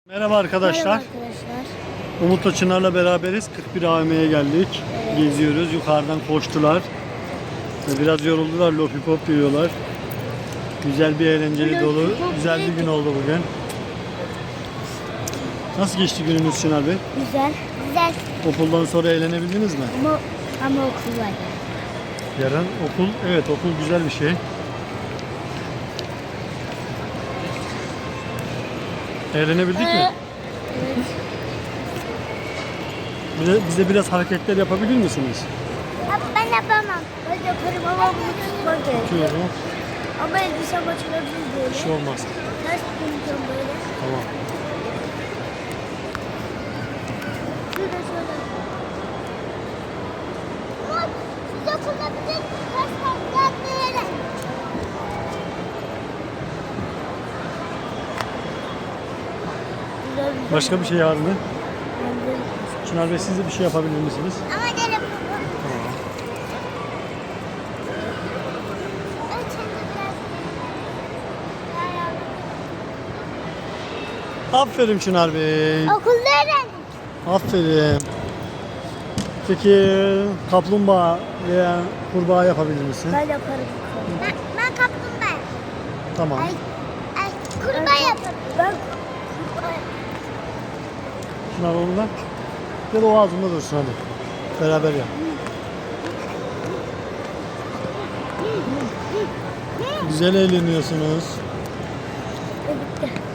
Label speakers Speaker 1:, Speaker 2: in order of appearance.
Speaker 1: Merhaba arkadaşlar.
Speaker 2: Merhaba arkadaşlar.
Speaker 1: Umut'la Çınar'la beraberiz. 41 AVM'ye geldik.
Speaker 2: Evet.
Speaker 1: Geziyoruz. Yukarıdan koştular. Biraz yoruldular. Lollipop yiyorlar. Güzel bir eğlenceli dolu. Güzel bir gün oldu bugün. Nasıl geçti gününüz Çınar Bey?
Speaker 2: Güzel. Güzel.
Speaker 1: Okuldan sonra eğlenebildiniz mi?
Speaker 2: Ama okul var.
Speaker 1: Yarın okul. Evet, okul güzel bir şey. Eğlenebildik mi?
Speaker 2: Evet.
Speaker 1: Bize biraz hareketler yapabilir misiniz?
Speaker 2: Ben yapamam. Ben yaparım ama bunu tutmak gerekiyor.
Speaker 1: Tutuyorum.
Speaker 2: Ama elbisem açılabilir böyle.
Speaker 1: Bir şey olmaz.
Speaker 2: Ters döneceğim böyle.
Speaker 1: Tamam.
Speaker 2: Şurada şöyle. Ama size kullanacak ters taklar böyle.
Speaker 1: Başka bir şey var mı? Çınar Bey, siz de bir şey yapabilir misiniz?
Speaker 2: Ama gelin.
Speaker 1: Tamam. Aferin Çınar Bey.
Speaker 2: Okulda öğrendim.
Speaker 1: Aferin. Peki kaplumbağa veya kurbağa yapabilir misin?
Speaker 2: Ben yaparım. Ben kaplumbağa.
Speaker 1: Tamam.
Speaker 2: Ay, kurbağa yaparım. Ben kurbağa.
Speaker 1: Çınar onu da. Ya da o ağzında dursun hadi. Beraber yap. Güzel eğleniyorsunuz.
Speaker 2: Bitti.